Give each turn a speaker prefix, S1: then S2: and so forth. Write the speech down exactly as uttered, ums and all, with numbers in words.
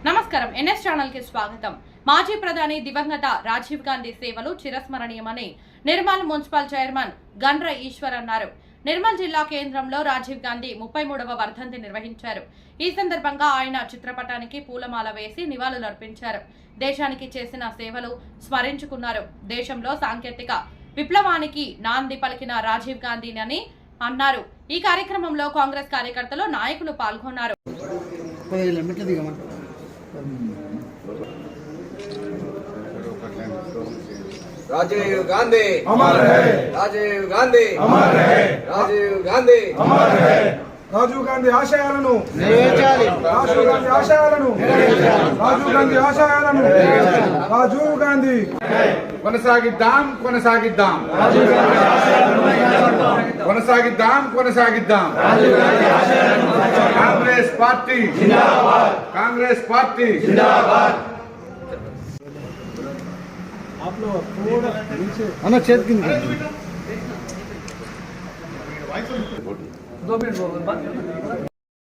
S1: నమస్కారం NS channel కి స్వాగతం। మాజీ ప్రధాని దివంగత రాజీవ్ గాంధీ సేవలు చిరస్మరణీయమని నిర్మల్ మున్సిపల్ చైర్మన్ గండ్ర ఈశ్వర్ అన్నారు। నిర్మల్ జిల్లా కేంద్రంలో రాజీవ్ గాంధీ ముప్పై మూడవ వర్ధంతి నిర్వహించారు। ఈ సందర్భంగా ఆయన చిత్రపటానికి పూలమాల వేసి నివాళులర్పించారు। దేశానికి చేసిన సేవలు స్మరించుకున్నారు। దేశంలో సాంకేతిక విప్లవానికి నాంది పలికిన రాజీవ్ గాంధీని అన్నారు। ఈ కార్యక్రమంలో కాంగ్రెస్ కార్యకర్తలు నాయకులు పాల్గొన్నారు।
S2: राजीव गांधी अमर है, राजीव गांधी अमर है, राजीव गांधी अमर है।
S3: రాజీవ్ గాంధీ ఆశయాలను నెరవేర్చాలి, రాజీవ్ గాంధీ ఆశయాలను నెరవేర్చాలి, రాజీవ్ గాంధీ ఆశయాలను నెరవేర్చాలి, రాజీవ్ గాంధీ
S4: కొనసాగిద్దాం కొనసాగిద్దాం రాజీవ్ గాంధీ ఆశయాలను కొనసాగిద్దాం కొనసాగిద్దాం రాజీవ్ గాంధీ ఆశయాలను కాంగ్రెస్ పార్టీ జిందాబాద్, కాంగ్రెస్ పార్టీ జిందాబాద్।
S3: आप लोग थोड़ा नीचे अन्ना छेद की दो मिनट